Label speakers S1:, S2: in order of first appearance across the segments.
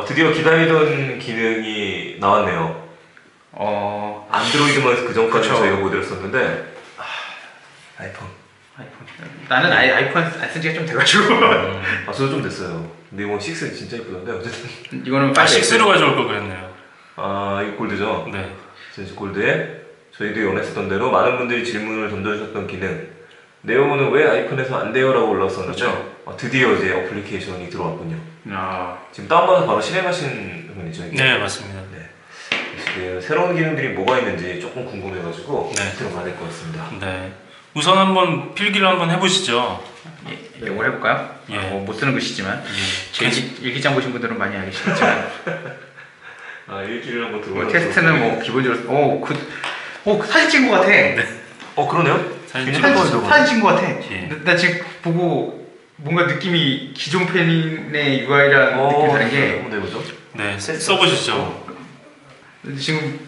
S1: 드디어 기다리던 기능이 나왔네요. 안드로이드만 그 전까지 저희가 모델했었는데 아이폰.
S2: 나는 아이폰 안 쓴 지가 좀 돼가지고.
S1: 저도 좀 됐어요. 근데 이거 6 진짜 이쁘던데 어쨌든.
S2: 이거는
S3: 6로 가져올 걸 그랬네요.
S1: 이거 골드죠?
S3: 네.
S1: 전시 골드에 저희도 원했었던 대로 많은 분들이 질문을 던져주셨던 기능. 네오는 왜 아이폰에서 안 돼요? 라고 올라왔었는데
S2: 그렇죠.
S1: 드디어 이제 어플리케이션이 들어왔군요.
S2: 아.
S1: 지금 다운받아서 바로 실행하신 분이죠? 이게?
S3: 네, 맞습니다.
S1: 네. 지금 새로운 기능들이 뭐가 있는지 조금 궁금해가지고
S3: 네.
S1: 들어가야 될 것 같습니다.
S3: 네. 우선 한번 필기를 한번 해보시죠.
S2: 이걸 해볼까요?
S3: 예.
S2: 못 쓰는 글씨지만
S3: 예.
S2: 제 일기장 보신 분들은 많이 알겠지만
S1: 일주일에 한번 들어가.
S2: 테스트는 뭐 기본적으로 사진 찍은 것 같아.
S1: 그러네요?
S3: 사진
S2: 사진 찍은 것 같아.
S3: 예.
S2: 나 지금 보고 뭔가 느낌이 기존 펜의 UI랑 느낌이 다른 게
S1: 한번 해보죠.
S3: 네, 써보시죠.
S2: 지금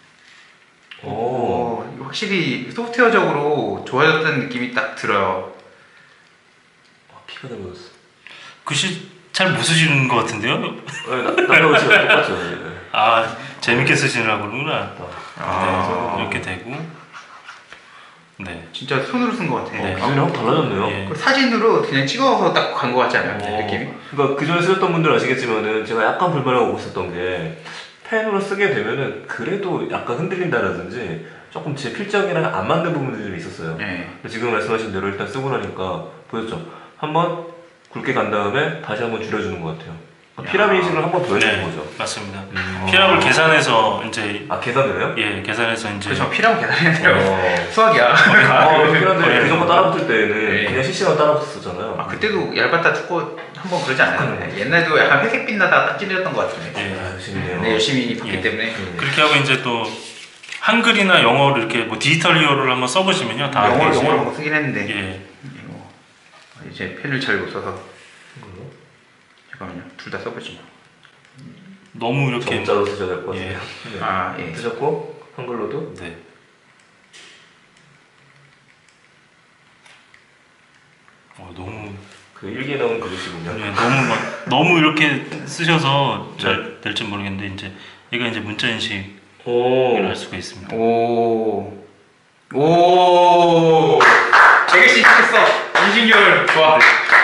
S1: 오.
S2: 확실히 소프트웨어적으로 좋아졌다는 느낌이 딱 들어요.
S1: 피가 나버렸어.
S3: 글씨 잘 못 쓰시는 것 같은데요?
S1: 나하고 지금 똑같죠.
S3: 아, 재밌게 쓰시느라고 그러구나.
S2: 아.
S3: 네, 이렇게 되고. 네.
S2: 진짜 손으로 쓴 것 같아.
S3: 네.
S1: 기존이랑 확 달라졌네요.
S3: 예.
S2: 사진으로 그냥 찍어서 딱 간 것 같지 않아요? 느낌이?
S1: 그러니까 그전에 쓰셨던 분들 아시겠지만은 제가 약간 불만하고 있었던 게 펜으로 쓰게 되면은 그래도 약간 흔들린다라든지 조금 제 필적이랑 안 맞는 부분들이 좀 있었어요.
S2: 네.
S1: 근데 지금 말씀하신 대로 일단 쓰고 나니까 보였죠? 한번 굵게 간 다음에 다시 한번 줄여주는 것 같아요. 피라미드를 한번 더 해주는
S3: 네,
S1: 거죠.
S3: 맞습니다. 피랍을 계산해서 이제
S1: 계산되나요?
S3: 예, 계산해서 이제
S2: 그렇죠. 피라면 계산해야 돼요. 수학이야.
S1: 피라미드 그 정도 따라붙을 때는
S2: 네.
S1: 그냥 실시간 따라붙었잖아요.
S2: 그때도 얇았다 두꺼 한번 그러지 않았나요? 옛날에도 약간 회색빛 나다가 딱 찔렸던 것 같은데.
S3: 예,
S1: 열심히네요.
S2: 네, 열심히 봤기
S3: 예.
S2: 때문에.
S3: 그렇게 하고 이제 또 한글이나 영어를 이렇게 뭐 디지털 히어로를 한번 써보시면요, 다
S2: 영어로
S3: 되죠.
S2: 한번 쓰긴 했는데.
S3: 예,
S2: 이제 펜을 잘 못 써서. 잠깐만요. 둘 다 써보지 뭐.
S3: 너무 이렇게
S1: 정자로 쓰셔야 될 것 같아요.
S3: 예.
S2: 예.
S1: 쓰셨고 한글로도
S3: 네. 너무
S1: 그 일기에 나온 그릇이군요.
S3: 예, 너무 이렇게 쓰셔서 잘 될지 모르겠는데 이제 얘가 이제 문자 인식을 할 수가 있습니다.
S2: 오. 되게 씩씩했어. 인식률 좋아.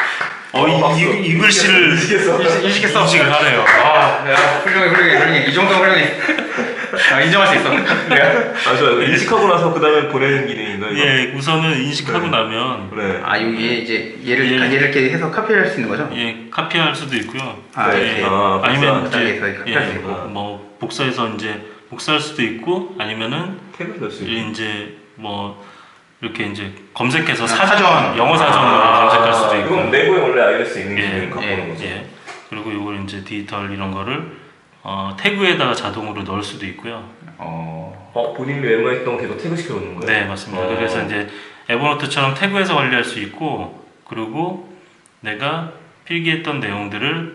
S3: 이 글씨를
S2: 인식했어.
S3: 인식을 하네요.
S2: 야, 훌륭해. 이 정도면 훌륭해. 인정할 수 있어.
S1: 좋아요. 인식하고 나서 그 다음에 보내는 기능인가요? 이거?
S3: 예, 우선은 인식하고 나면
S1: 네.
S2: 여기에 이제 얘를 이렇게 해서 카피할 수 있는 거죠?
S3: 예, 카피할 수도 있고요.
S2: 이렇게.
S3: 아니면
S2: 복사해서
S3: 이제
S2: 카피할 수 있고.
S3: 뭐 복사해서 이제 복사할 수도 있고 아니면은
S1: 태그를 넣을 수 있고.
S3: 이제 뭐 이렇게 이제 검색해서
S2: 사전.
S3: 영어 사전으로 검색할 수도 있고.
S1: 이건 내부에 원래 iOS 있는
S3: 예,
S1: 기능을 갖고 오는 거죠.
S3: 예. 그리고 이걸 이제 디지털 이런 거를 태그에다가 자동으로 넣을 수도 있고요.
S1: 본인이 메모했던 거 계속 태그 시켜놓는 거예요?
S3: 네, 맞습니다. 그래서 이제 에버노트처럼 태그해서 관리할 수 있고, 그리고 내가 필기했던 내용들을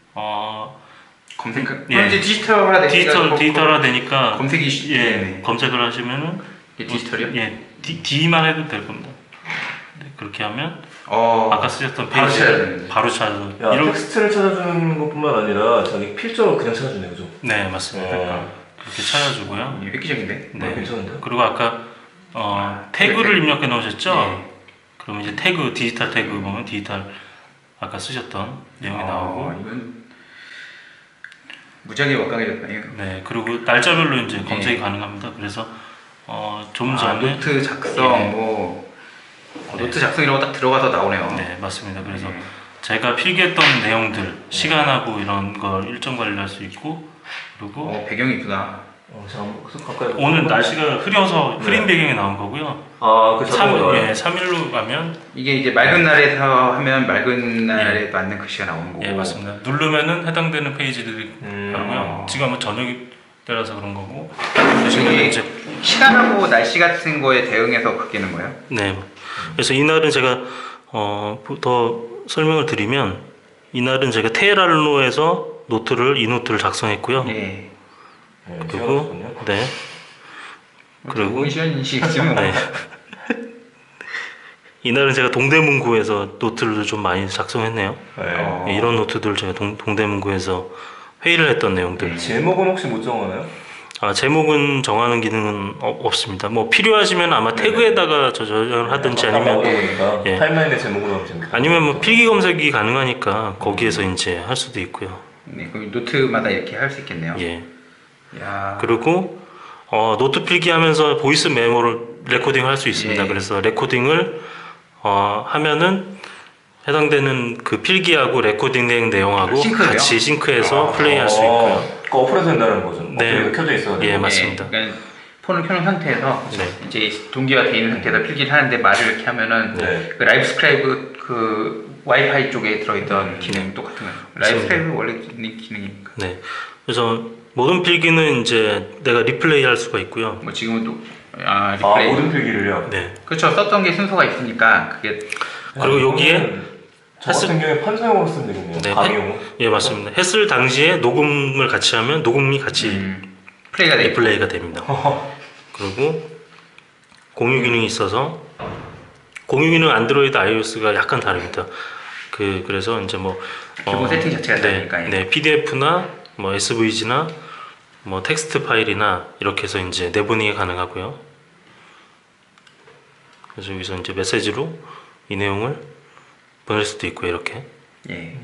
S2: 이제 디지털화
S3: 되니까
S2: 검색이
S3: 예, 검색을 하시면은
S2: 이게 디지털이요?
S3: 예, D만 해도 될 겁니다. 네, 그렇게 하면 아까 쓰셨던
S2: 바로
S3: 페이지
S2: 찾아야 되는데.
S3: 바로 찾아서
S1: 텍스트를 찾아주는 것뿐만 아니라 자기 필적으로 그냥 찾아주네요, 그죠?
S3: 네, 맞습니다. 그렇게 찾아주고요.
S2: 획기적인데?
S3: 네.
S1: 괜찮은데?
S3: 그리고 아까 태그를 입력해 놓으셨죠?
S2: 네.
S3: 그러면 이제 디지털 태그 보면 디지털 아까 쓰셨던 내용이 나오고.
S2: 이건 무지하게 막강해졌다. 이거.
S3: 네, 그리고 날짜별로 이제 검색이 가능합니다. 그래서 좀 전에
S2: 노트 작성 노트 작성이라고 딱 들어가서 나오네요.
S3: 네, 맞습니다. 그래서 제가 필기했던 내용들, 시간하고 이런 걸 일정 관리할 수 있고, 그리고
S2: 배경이 이쁘다.
S1: 가까이
S3: 오늘 날씨가 흐려서 흐린 배경이 나온 거고요.
S1: 그 자동으로
S3: 3일로 가면
S2: 이게 이제 맑은 날에서 하면 맑은 날에 맞는 글씨가 나오는 거고.
S3: 예, 맞습니다. 누르면은 해당되는 페이지들이 나오고요. 지금 아마 저녁이 때라서 그런 거고.
S2: 이게 시간하고 날씨 같은 거에 대응해서 바뀌는 거예요?
S3: 네. 그래서 이날은 제가 더 설명을 드리면 이날은 제가 테헤란로에서 이 노트를 작성했고요.
S2: 네.
S3: 그리고 그리고
S2: 시간이시겠지만
S3: 네. 이날은 제가 동대문구에서 노트를 좀 많이 작성했네요. 네, 이런 노트들을 제가 동대문구에서 회의를 했던 내용들.
S1: 제목은 혹시 못 정하나요?
S3: 제목은 정하는 기능은 없습니다. 뭐 필요하시면 아마 태그에다가 저장을 하든지 아니면
S1: 보니까
S3: 예.
S1: 타임라인에 제목으로 하면 재밌겠다.
S3: 아니면 뭐 필기 검색이 가능하니까 거기에서 이제 할 수도 있고요.
S2: 네, 그럼 노트마다 이렇게 할 수 있겠네요.
S3: 예.
S2: 야.
S3: 그리고 노트 필기하면서 보이스 메모를 레코딩을 할 수 있습니다.
S2: 예.
S3: 그래서 레코딩을 하면은 해당되는 그 필기하고 레코딩된 내용하고
S2: 싱크돼요?
S3: 같이 싱크해서 플레이할 수 있고요.
S1: 그 어플에서 된다는 거죠.
S3: 네.
S1: 어플이 켜져 있어야 돼요.
S3: 예, 맞습니다.
S2: 그러니까 폰을 켜놓은 상태에서
S3: 네.
S2: 이제 동기화 돼 있는 상태에서 필기를 하는데 말을 이렇게 하면은
S1: 네.
S2: 그 라이브 스크라이브 그 와이파이 쪽에 들어있던 기능 똑같은 거예요. 라이브 스크라이브 원래 있는 기능이니까.
S3: 네. 그래서 모든 필기는 이제 내가 리플레이 할 수가 있고요.
S2: 뭐 지금은 또 리플레이.
S1: 모든 필기를요?
S3: 네.
S2: 그렇죠. 썼던 게 순서가 있으니까 그게
S3: 그리고 여기에
S1: 저 같은 경우에 판사용으로 쓰면 되겠네요.
S3: 네,
S1: 강의용으로.
S3: 예, 맞습니다. 했을 당시에 녹음을 같이 하면 녹음이 같이
S2: 플레이가 돼.
S3: 리플레이가 됩니다. 그리고 공유 기능이 있어서 공유 기능 안드로이드 iOS가 약간 다릅니다. 그래서 이제 뭐
S2: 기본 세팅 자체가
S3: 네,
S2: 다르니까.
S3: 네, PDF나 뭐 SVG나 뭐 텍스트 파일이나 이렇게 해서 이제 내보내기 가능하고요. 그래서 여기서 이제 메시지로 이 내용을 보낼 수도 있고 이렇게
S2: 예.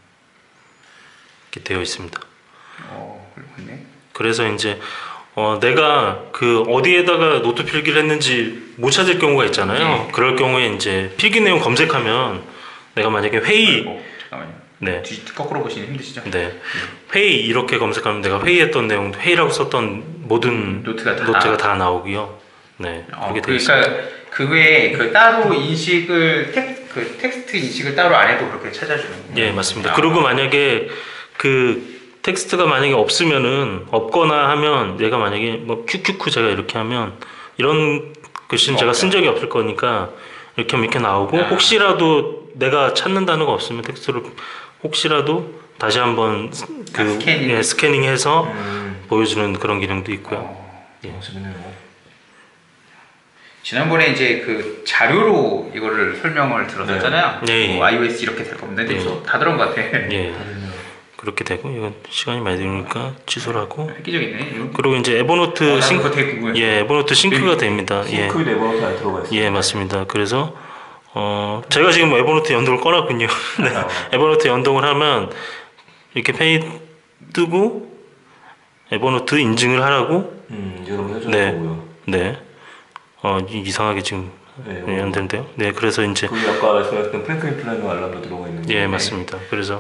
S3: 되어 있습니다.
S2: 그렇군요.
S3: 그래서 이제 내가 그 어디에다가 노트 필기를 했는지 못 찾을 경우가 있잖아요.
S2: 네.
S3: 그럴 경우에 이제 필기 내용 검색하면 내가 만약에 회의,
S2: 잠깐만요.
S3: 네,
S2: 거꾸로 보시면 힘드시죠?
S3: 네, 회의 이렇게 검색하면 내가 회의했던 내용, 회의라고 썼던 모든
S2: 노트가
S3: 다 나오고요. 네, 그렇게 되어 있습니다.
S2: 그러니까 그 외에 그 따로 인식을 텍스트 인식을 따로 안 해도 그렇게 찾아주는 거예요.
S3: 예, 맞습니다. 그리고 만약에 그 텍스트가 만약에 없거나 하면 내가 만약에 뭐 큐큐큐 제가 이렇게 하면 이런 글씨는 제가 쓴 적이 없을 거니까 이렇게 하면 이렇게 나오고 혹시라도 내가 찾는 단어가 없으면 텍스트를 혹시라도 다시 한번 스캐닝해서 보여주는 그런 기능도 있고요.
S1: 재밌네요.
S2: 지난번에 이제 그 자료로 이거를 설명을 들었었잖아요.
S3: 네.
S2: 뭐 iOS 이렇게 될 겁니다. 근데
S3: 네.
S2: 다 들은 것 같아.
S3: 예, 그렇게 되고 이건 시간이 많이 들으니까 취소를 하고
S2: 획기적이네.
S3: 그리고 이제 에버노트
S2: 그거 되게 궁금해.
S3: 예, 에버노트 싱크가 됩니다. 예,
S1: 싱크 네버노트 안에 들어가 있어요.
S3: 예, 맞습니다. 그래서 제가 지금 에버노트 연동을 꺼놨군요. 네. 에버노트 연동을 하면 이렇게 페이 뜨고 에버노트 인증을 하라고
S1: 여러분 해주는
S3: 네.
S1: 거고요.
S3: 네. 이상하게 지금 안 되는데요. 네, 그래서 이제
S1: 거기 아까 말씀하셨던 프랭클린 플래너 알람도 들어가 있는
S3: 예,
S1: 거예요.
S3: 맞습니다. 그래서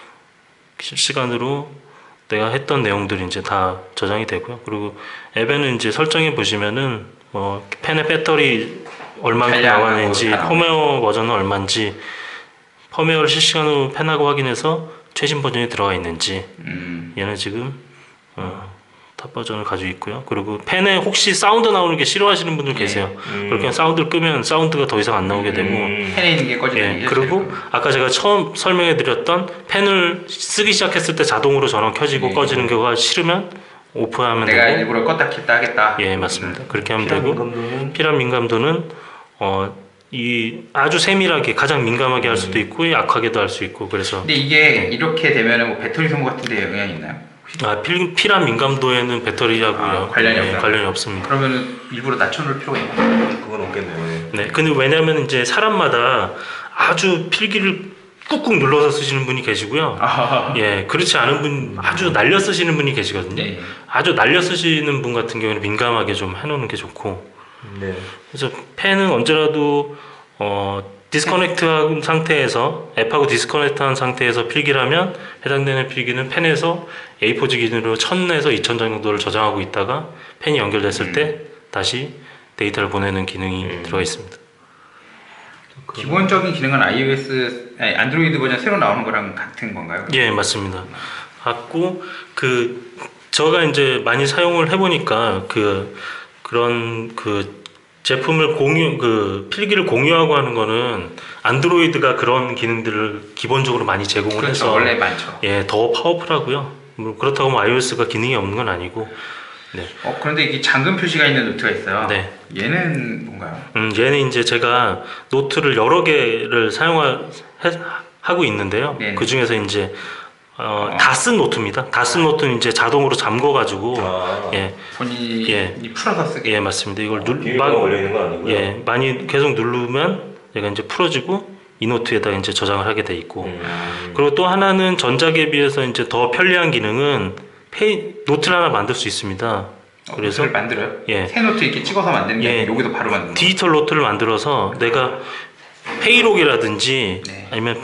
S3: 실시간으로 내가 했던 내용들이 이제 다 저장이 되고요. 그리고 앱에는 이제 설정해 보시면은 뭐 펜의 배터리 얼마나 나왔는지, 펌웨어 버전은 얼마인지, 펌웨어를 실시간으로 펜하고 확인해서 최신 버전이 들어가 있는지, 얘는 지금 탑 버전을 가지고 있고요. 그리고 펜에 혹시 사운드 나오는 게 싫어하시는 분들 계세요. 그렇게 사운드를 끄면 사운드가 더 이상 안 나오게 되고,
S2: 펜에 있는 게 꺼지는
S3: 예, 그리고 아까 제가 처음 설명해드렸던 펜을 쓰기 시작했을 때 자동으로 전원 켜지고 꺼지는 경우가 싫으면 오프하면
S2: 내가
S3: 되고,
S2: 일부러 껐다 켰다 하겠다.
S3: 예, 맞습니다. 그렇게 하면
S1: 피란
S3: 되고,
S1: 민감도는
S3: 피란 민감도는 이 아주 세밀하게 가장 민감하게 할 수도 있고 약하게도 할 수 있고 그래서
S2: 근데 이게 이렇게 되면은 뭐 배터리 소모 같은 데 영향이 있나요?
S3: 피란 민감도에는 배터리하고요
S2: 관련이 없나요?
S3: 관련이 없습니다.
S2: 그러면은 일부러 낮춰놓을 필요가 있나요?
S1: 그건 없겠네요.
S3: 네, 근데 왜냐하면 이제 사람마다 아주 필기를 꾹꾹 눌러서 쓰시는 분이 계시고요. 예, 그렇지 않은 분 아주 날려 쓰시는 분이 계시거든요.
S2: 네.
S3: 아주 날려 쓰시는 분 같은 경우는 민감하게 좀 해놓는 게 좋고.
S1: 네.
S3: 그래서 펜은 언제라도 디스커넥트한 상태에서 앱하고 디스커넥트한 상태에서 필기를 하면 해당되는 필기는 펜에서 A4지 기준으로 1000에서 2000 정도를 저장하고 있다가 펜이 연결됐을 때 다시 데이터를 보내는 기능이 들어가 있습니다.
S2: 기본적인 기능은 안드로이드 버전 새로 나오는 거랑 같은 건가요?
S3: 예, 맞습니다. 같고 제가 이제 많이 사용을 해보니까 그런 제품을 필기를 공유하고 하는 거는 안드로이드가 그런 기능들을 기본적으로 많이 제공을
S2: 그렇죠,
S3: 해서
S2: 원래 많죠.
S3: 예, 더 파워풀하고요. 그렇다고 뭐 iOS가 기능이 없는 건 아니고. 네.
S2: 그런데 이게 잠금 표시가 있는 노트가 있어요.
S3: 네.
S2: 얘는 뭔가요?
S3: 얘는 이제 제가 노트를 여러 개를 하고 있는데요.
S2: 네네.
S3: 그 중에서 이제 다 쓴 노트입니다. 다 쓴 노트는 이제 자동으로 잠궈가지고
S1: 아,
S3: 예,
S2: 본인이
S3: 예.
S2: 풀어서 쓰게.
S3: 예 맞습니다. 이걸
S1: 비밀번호 걸려 있는 건 아니고요.
S3: 예, 많이 계속 누르면 얘가 이제 풀어지고 이 노트에다 이제 저장을 하게 돼 있고 그리고 또 하나는 전작에 비해서 이제 더 편리한 기능은 노트를 하나 만들 수 있습니다. 그래서
S2: 노트를 만들어요?
S3: 예.
S2: 새 노트 이렇게 찍어서 만드는 게
S3: 예.
S2: 아니라 여기도 바로 만드는 거예요?
S3: 디지털 노트를 만들어서 내가 회의록이라든지
S2: 네.
S3: 아니면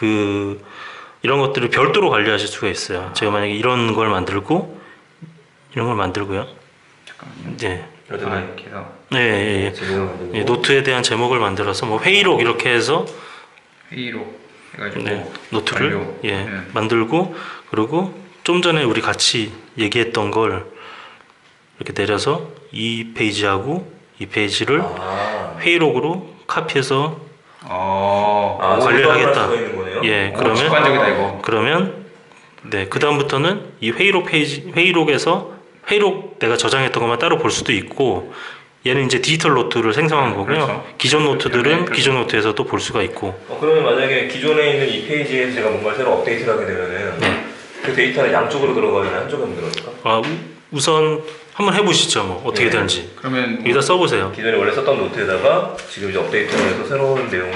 S3: 이런 것들을 별도로 관리하실 수가 있어요. 제가 만약에 이런 걸 만들고 이런 걸 만들고요.
S2: 잠깐만요.
S3: 네.
S2: 이렇게 해서
S3: 네, 예, 예.
S1: 제목을 만들고.
S3: 예, 노트에 대한 제목을 만들어서 뭐 회의록 이렇게 해서
S2: 회의록 해가지고
S3: 네, 노트를
S2: 완료.
S3: 예,
S2: 네.
S3: 만들고 그리고 좀 전에 우리 같이 얘기했던 걸 이렇게 내려서 이 페이지하고 이 페이지를
S1: 아,
S3: 회의록으로 카피해서
S2: 어.
S3: 관리를 하겠다.
S1: 수가 있는 거네요.
S3: 예,
S2: 오, 직관적이다 이거.
S3: 그러면 네, 그 다음부터는 이 회의록에서 회의록 내가 저장했던 것만 따로 볼 수도 있고 얘는 이제 디지털 노트를 생성한 거고요.
S2: 그렇죠.
S3: 기존 노트들은
S2: 그렇죠.
S3: 기존 노트에서도 볼 수가 있고
S1: 그러면 만약에 기존에 있는 이 페이지에서 제가 뭔가 새로 업데이트를 하게 되면은
S3: 네.
S1: 그 데이터는 양쪽으로 들어가야 한쪽으로 들어갈까?
S3: 우선 한번 해보시죠. 뭐 어떻게
S1: 네.
S3: 되는지
S2: 그러면
S3: 여기다 써보세요.
S1: 기존에 원래 썼던 노트에다가 지금 이제 업데이트를 해서 새로운 내용을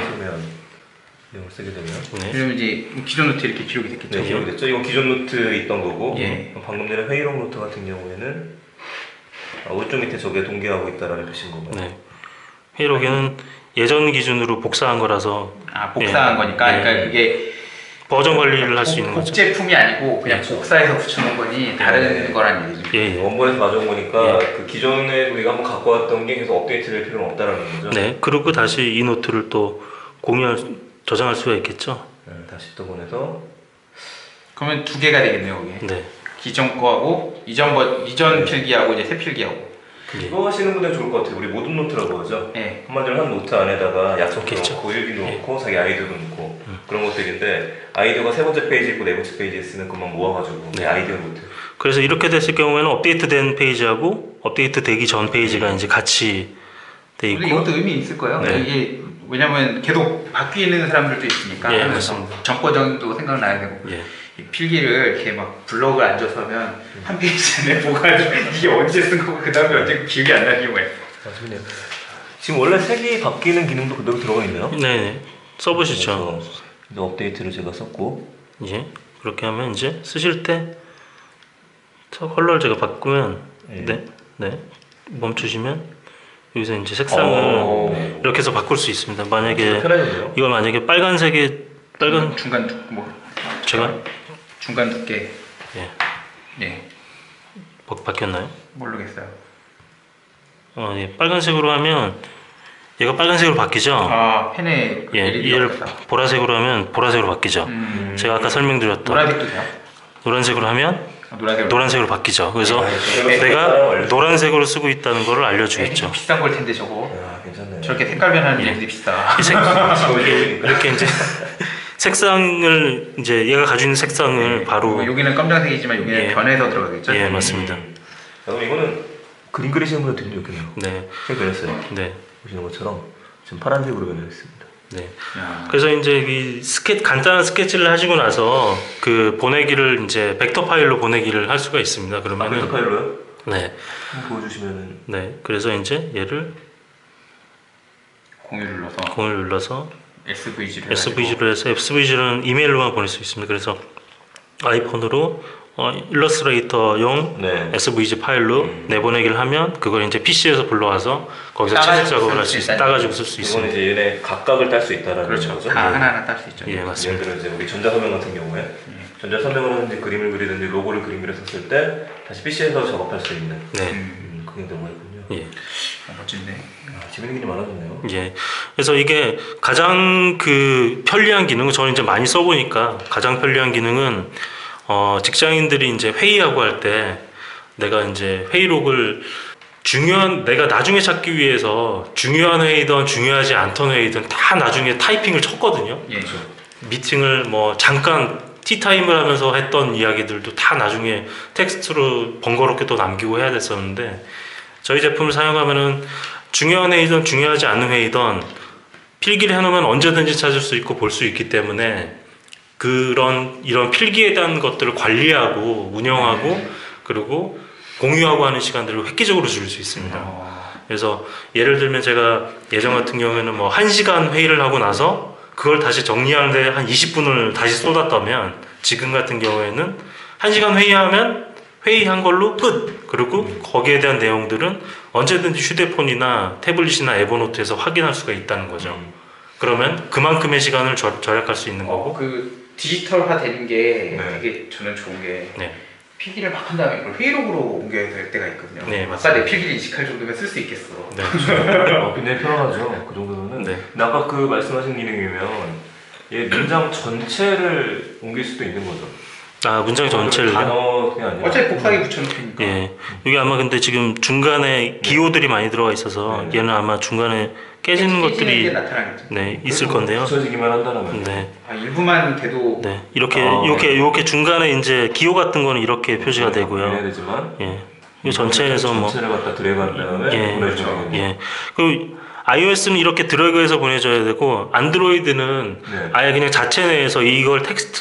S1: 쓰게 되면
S3: 네.
S2: 그러면 이제 기존 노트 이렇게 기록이 됐겠죠?
S1: 네, 기록이 됐죠. 이건 기존 노트 있던 거고
S2: 예.
S1: 방금 전에 회의록 노트 같은 경우에는 오른쪽 밑에 저게 동기화하고 있다라는 표시인 건가요?
S3: 네. 회의록에는 예전 기준으로 복사한 거라서
S2: 아 복사한
S3: 예.
S2: 거니까
S3: 예.
S2: 그러니까 그게
S3: 버전 관리를 할 수 있는 거죠.
S2: 복제품이 아니고 그냥 복사해서 붙여놓은 거니 다른
S1: 네.
S2: 거란 얘기죠.
S3: 예, 예.
S1: 원본에서 가져온 거니까 그 기존에 우리가 한번 갖고 왔던 게 계속 업데이트될 필요는 없다라는 거죠.
S3: 네. 그리고 다시 이 노트를 또 저장할 수가 있겠죠.
S1: 네, 다시 또 보내서
S2: 그러면 두 개가 되겠네요, 그게.
S3: 네.
S2: 기존 거하고 이전 필기하고 이제 새 필기하고.
S1: 그거 하시는 분들 좋을 것 같아요. 우리 모든 노트라고 하죠.
S2: 네.
S1: 한마디로 한 노트 안에다가 약속도
S3: 그렇겠죠.
S1: 넣고 일기도 넣고 자기 아이디어도 넣고 그런 것들인데 아이디어가 세 번째 페이지 있고 네 번째 페이지에 쓰는 것만 모아가지고
S3: 네.
S1: 아이디어 노트.
S3: 그래서 이렇게 됐을 경우에는 업데이트된 페이지하고 업데이트 되기 전 페이지가 이제 같이 돼
S2: 근데
S3: 있고
S2: 이것도 의미 있을 거예요.
S3: 네.
S2: 이게 왜냐면 계속 바뀌는 사람들도 있으니까
S3: 예,
S2: 하면서
S3: 맞습니다.
S2: 전 버전도 생각나야 되고
S3: 예.
S2: 이 필기를 이렇게 막 블럭을 앉아서 하면 한 페이지 안에 뭐가 이게 언제 쓴 거고 그 다음에 언제 기억이 안 나는 경우에
S1: 맞습니다. 지금 원래 색이 바뀌는 기능도 그대로 들어가 있네요.
S3: 네. 써보시죠.
S1: 그래서 이제 업데이트를 제가 썼고
S3: 예. 그렇게 하면 이제 쓰실 때 저 컬러를 제가 바꾸면
S1: 예.
S3: 네. 멈추시면 여기서 이제 색상을 이렇게 해서 바꿀 수 있습니다. 만약에
S1: 편해졌네요.
S3: 이걸 만약에 빨간색에 빨간
S2: 중간
S3: 제가
S2: 중간 두께
S3: 예.
S2: 예
S3: 바뀌었나요?
S2: 모르겠어요.
S3: 예. 빨간색으로 하면 얘가 빨간색으로 바뀌죠.
S2: 아 펜에
S3: 예.
S2: LED
S3: 얘를
S2: 가 있다.
S3: 보라색으로 하면 보라색으로 바뀌죠. 제가 아까 설명드렸던
S2: 노란색도 돼요?
S3: 노란색으로 하면
S2: 노란색으로.
S3: 노란색으로 바뀌죠. 그래서
S1: 네.
S3: 내가 노란색으로 쓰고 있다는 것을 알려주겠죠.
S2: 비싼 걸 텐데 저거.
S1: 야, 괜찮네.
S2: 저렇게 색깔 변하는 게 비싸.
S3: 이 이렇게 이제 색상을 이제 얘가 가지고 있는 색상을 바로
S2: 여기는 검정색이지만 여기는
S3: 예.
S2: 변해서 들어가겠죠?
S3: 예 맞습니다.
S1: 그럼 이거는 그림 그리시는 분들 되게 좋겠네요.
S3: 네,
S1: 색 변했어요.
S3: 네,
S1: 보시는 것처럼 지금 파란색으로 변했습니다.
S3: 네.
S2: 야.
S3: 그래서 이제 이 간단한 스케치를 하시고 나서 그 보내기를 이제 벡터 파일로 보내기를 할 수가 있습니다.
S1: 벡터
S3: 그러면은
S1: 파일로요?
S3: 네,
S1: 한번 보여주시면은
S3: 네. 그래서 이제 얘를
S2: 공유를 눌러서
S3: 공을 눌러서
S2: SVG를
S3: SVG로 해서 SVG는 이메일로만 보낼 수 있습니다. 그래서 아이폰으로 일러스트레이터용
S1: 네.
S3: SVG 파일로 내보내기를 하면 그걸 이제 PC에서 불러와서 거기서 채색 작업을 할 수 있어요. 따가지고 쓸 수
S1: 이건
S3: 있습니다.
S1: 이제 얘네 각각을 딸 수 있다라는
S2: 그렇죠.
S1: 거죠.
S2: 다 하나하나 딸 수 있죠.
S3: 예,
S1: 예를
S3: 맞습니다.
S1: 들어 이제 우리 전자서명 같은 경우에 전자서명을 하든지 그림을 그리든지 로고를 그림으로 썼을 때 다시 PC에서 작업할 수 있는
S3: 네,
S1: 그게 들어가 있군요.
S3: 예,
S2: 멋진데.
S1: 재밌는 게 많아졌네요.
S3: 예. 그래서 이게 가장 그 편리한 기능은 저는 이제 많이 써보니까 가장 편리한 기능은 직장인들이 이제 회의하고 할 때 내가 이제 회의록을 내가 나중에 찾기 위해서 중요한 회의든 중요하지 않던 회의든 다 나중에 타이핑을 쳤거든요.
S2: 예.
S3: 미팅을 뭐 잠깐 티타임을 하면서 했던 이야기들도 다 나중에 텍스트로 번거롭게 또 남기고 해야 됐었는데 저희 제품을 사용하면은 중요한 회의든 중요하지 않은 회의든 필기를 해놓으면 언제든지 찾을 수 있고 볼 수 있기 때문에 이런 필기에 대한 것들을 관리하고 운영하고 그리고 공유하고 하는 시간들을 획기적으로 줄일 수 있습니다. 그래서 예를 들면 제가 예전 같은 경우에는 뭐 1시간 회의를 하고 나서 그걸 다시 정리하는데 한 20분을 다시 쏟았다면 지금 같은 경우에는 1시간 회의하면 회의한 걸로 끝! 그리고 거기에 대한 내용들은 언제든지 휴대폰이나 태블릿이나 에버노트에서 확인할 수가 있다는 거죠. 그러면 그만큼의 시간을 절약할 수 있는 거고
S2: 그 디지털화 되는 게
S1: 네.
S2: 되게 저는 좋은 게
S3: 네.
S2: 필기를 막 한 다음에 그걸 회의록으로 옮겨야 될 때가 있거든요.
S3: 네,
S2: 아까
S3: 맞습니다.
S2: 내 필기를 인식할 정도면 쓸 수 있겠어.
S3: 네.
S1: 굉장히 편하죠. 그 정도면은.
S3: 네.
S1: 근데 아까 그 말씀하신 기능이면 얘 문장 전체를 옮길 수도 있는 거죠.
S3: 아 문장 전체를
S1: 단어 그냥 아니라.
S2: 어차피 곱하기 붙여놓으니까.
S3: 예. 여기 아마 근데 지금 중간에 기호들이 많이 들어가 있어서
S1: 네.
S3: 얘는 아마 중간에 깨지는
S2: 게
S3: 것들이
S2: 나타나겠죠.
S3: 네 있을
S1: 그래도
S3: 건데요.
S1: 붙여지기만 한다면.
S3: 네.
S2: 아, 일부만 돼도
S3: 네. 이렇게
S1: 아,
S3: 이렇게 중간에 이제 기호 같은 거는 이렇게 표시가
S1: 해야
S3: 되고요.
S1: 되지만.
S3: 예. 이 전체에서 뭐
S1: 전체를 갖다 드래그한 다음에
S3: 예.
S1: 보내주면 되겠네요.
S3: 예. 그리고 iOS는 이렇게 드래그해서 보내줘야 되고 안드로이드는
S1: 네.
S3: 아예 그냥 자체 내에서 이걸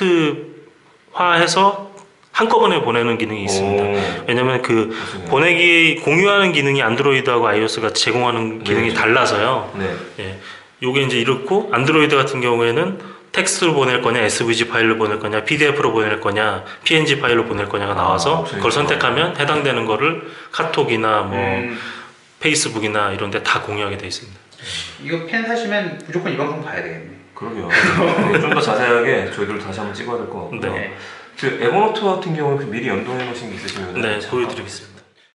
S3: 텍스트화해서 한꺼번에 보내는 기능이 있습니다.
S1: 오.
S3: 왜냐면 그
S1: 그렇군요.
S3: 보내기 공유하는 기능이 안드로이드하고 iOS가 제공하는 기능이
S1: 네.
S3: 달라서요.
S1: 네.
S3: 예. 요게 이제 이렇고 안드로이드 같은 경우에는 텍스트로 보낼 거냐, SVG 파일로 보낼 거냐, PDF로 보낼 거냐, PNG 파일로 보낼 거냐가 나와서
S1: 옵션이
S3: 그걸
S1: 있구나.
S3: 선택하면 해당되는 거를 카톡이나 뭐
S2: 음,
S3: 페이스북이나 이런 데 다 공유하게 돼 있습니다.
S2: 이거 펜 사시면 무조건 이 방송 봐야 되겠네.
S1: 그러게요. 좀 더 자세하게 저희들 다시 한번 찍어야 될 것 같고요.
S3: 네.
S1: 그 에버노트 같은 경우는 그 미리 연동해 놓으신 게 있으시면
S3: 네, 보여드리겠습니다.